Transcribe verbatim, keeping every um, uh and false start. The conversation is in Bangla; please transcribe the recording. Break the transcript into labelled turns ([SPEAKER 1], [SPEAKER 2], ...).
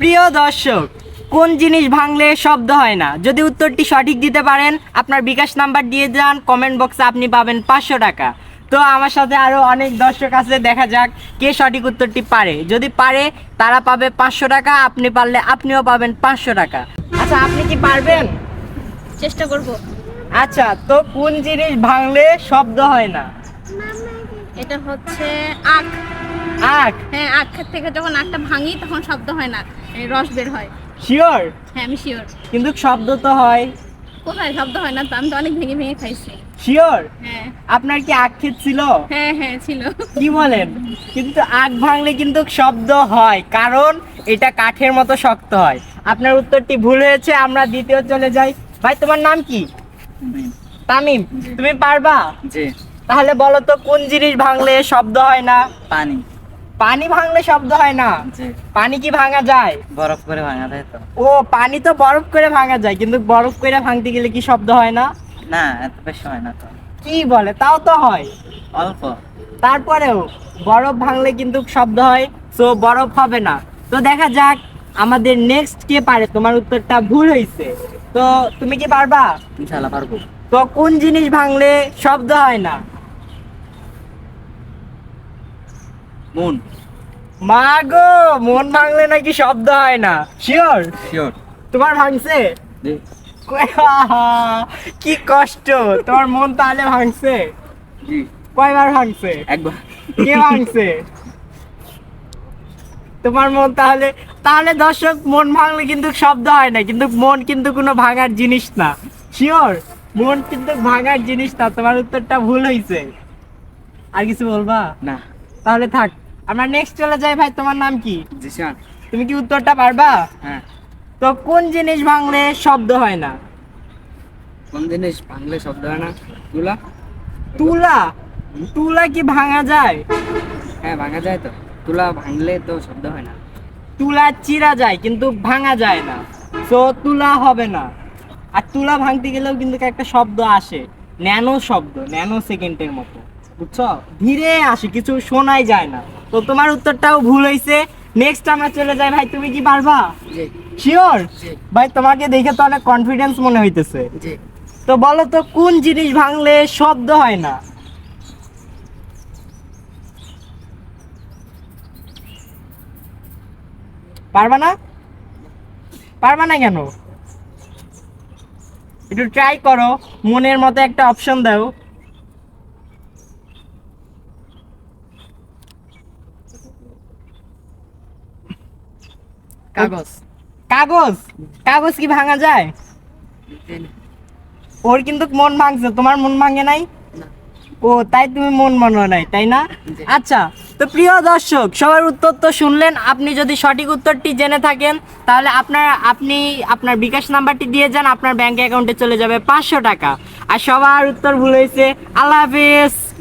[SPEAKER 1] প্রিয় দর্শক, কোন জিনিস ভাঙলে শব্দ হয় না? যদি উত্তরটি সঠিক দিতে পারেন, আপনার বিকাশ নাম্বার দিয়ে যান, কমেন্ট বক্সে আপনি পাবেন পাঁচশো টাকা। তো আমার সাথে আরও অনেক দর্শক আছে, দেখা যাক কে সঠিক উত্তরটি পারে। যদি পারে তারা পাবে পাঁচশো টাকা, আপনি পারলে আপনিও পাবেন পাঁচশো টাকা। আচ্ছা, আপনি কি পারবেন?
[SPEAKER 2] চেষ্টা করব।
[SPEAKER 1] আচ্ছা, তো কোন জিনিস ভাঙলে শব্দ হয় না?
[SPEAKER 2] এটা হচ্ছে আখ।
[SPEAKER 1] আখ?
[SPEAKER 2] হ্যাঁ, আখ থেকে যখন আখটা ভাঙি তখন শব্দ হয় না, এই রস বের হয়।
[SPEAKER 1] শিওর?
[SPEAKER 2] হ্যাঁ, আমি শিওর।
[SPEAKER 1] কিন্তু শব্দ তো হয়।
[SPEAKER 2] কোথায় শব্দ হয় না? তো আমি তো অনেক ভেঙে ভেঙে খাইছি।
[SPEAKER 1] শিওর?
[SPEAKER 2] হ্যাঁ
[SPEAKER 1] আপনার কি আখ ক্ষেত ছিল?
[SPEAKER 2] হ্যাঁ হ্যাঁ ছিল।
[SPEAKER 1] কি বলেন? কিন্তু আখ ভাঙলে কিন্তু শব্দ হয়, কারণ এটা কাঠের মতো শক্ত হয়। আপনার উত্তরটি ভুল হয়েছে, আমরা দ্বিতীয় চলে যাই। ভাই, তোমার নাম কি? তামিম। তুমি পারবা?
[SPEAKER 3] জি।
[SPEAKER 1] তাহলে বলো তো, কোন জিনিস ভাঙলে শব্দ হয় না?
[SPEAKER 3] পানি।
[SPEAKER 1] পানি ভাঙলে শব্দ হয় না?
[SPEAKER 3] জি।
[SPEAKER 1] পানি কি ভাঙা যায়?
[SPEAKER 3] বরফ করে ভাঙা যায় তো?
[SPEAKER 1] ও, পানি তো বরফ করে ভাঙা যায়, কিন্তু বরফ করে ভাঙতে গেলে কি শব্দ হয় না?
[SPEAKER 3] না, এত বেশি হয় না তো।
[SPEAKER 1] কি বলে? তাও তো হয়।
[SPEAKER 3] অল্প।
[SPEAKER 1] তারপরেও বরফ ভাঙলে কিন্তু শব্দ হয়, সো বরফ হবে না। তো দেখা যাক আমাদের নেক্সট কে পারে। তোমার উত্তরটা ভুল হয়েছে। তো তুমি কি পারবা?
[SPEAKER 3] ইনশাআল্লাহ পারবো।
[SPEAKER 1] তো কোন জিনিস ভাঙলে শব্দ হয় না?
[SPEAKER 3] মন।
[SPEAKER 1] মা গো, মন ভাঙলে নাকি শব্দ হয় না? শিওর?
[SPEAKER 3] শিওর।
[SPEAKER 1] তোমার ভাঙছে?
[SPEAKER 3] জি।
[SPEAKER 1] কি কষ্ট! তোমার মন তাহলে ভাঙছে?
[SPEAKER 3] জি।
[SPEAKER 1] কয়বার ভাঙছে?
[SPEAKER 3] একবার।
[SPEAKER 1] কে ভাঙছে? তোমার মন। তাহলে তাহলে দর্শক, মন ভাঙলে কিন্তু শব্দ হয় না, কিন্তু মন কিন্তু কোনো ভাঙার জিনিস না। শিওর? মন কিন্তু ভাঙার জিনিস না। তোমার উত্তরটা ভুল হয়েছে। আর কিছু বলবা?
[SPEAKER 3] না।
[SPEAKER 1] তাহলে থাক, আমরা নেক্সট চলে যাই। ভাই, তোমার নাম কি?
[SPEAKER 3] জিশান।
[SPEAKER 1] তুমি কি উত্তরটা পারবা?
[SPEAKER 3] হ্যাঁ।
[SPEAKER 1] তো কোন জিনিস ভাঙলে শব্দ হয় না?
[SPEAKER 3] কোন জিনিস ভাঙলে শব্দ হয় না? তুলা।
[SPEAKER 1] তুলা? তুলা কি ভাঙা যায়?
[SPEAKER 3] হ্যাঁ, ভাঙা যায় তো। তুলা ভাঙলে তো শব্দ হয় না।
[SPEAKER 1] তুলা চিরা যায়, কিন্তু ভাঙা যায় না। তো তুলা হবে না। আর তুলা ভাঙতে গেলেও কিন্তু একটা শব্দ আসে, ন্যানো শব্দ, ন্যানো সেকেন্ডের মতো, বুঝছো? ধীরে আসে, কিছু শোনাই যায় না। তো তোমার উত্তরটাও ভুল হয়েছে। নেক্সট আমরা চলে যাই। ভাই, তুমি কি পারবা?
[SPEAKER 3] জি।
[SPEAKER 1] শিওর?
[SPEAKER 3] জি।
[SPEAKER 1] ভাই, তোমাকে দেখে তো অনেক কনফিডেন্স মনে হইতেছে।
[SPEAKER 3] জি।
[SPEAKER 1] তো বলো তো, কোন জিনিস ভাঙলে শব্দ হয় না? পারবা না? পারবা না কেন? একটু ট্রাই করো, মনের মতো একটা অপশন দাও।
[SPEAKER 3] কাগজ।
[SPEAKER 1] কাগজ? কাগজ কি ভাঙা যায়? ওর কিন্তু মন ভাঙছে, তোমার মন ভাঙে নাই।
[SPEAKER 3] না।
[SPEAKER 1] ও, তাই তুমি মন মানো নাই, তাই না?
[SPEAKER 3] জি।
[SPEAKER 1] আচ্ছা, তো প্রিয় দর্শক, সবার উত্তর তো শুনলেন। আপনি যদি সঠিক উত্তরটি জেনে থাকেন, তাহলে আপনার আপনি আপনার বিকাশ নাম্বারটি দিয়ে যান, আপনার ব্যাংক অ্যাকাউন্টে চলে যাবে পাঁচশো টাকা। আর সবার উত্তর ভুল হয়েছে। আল্লাহ হাফেজ।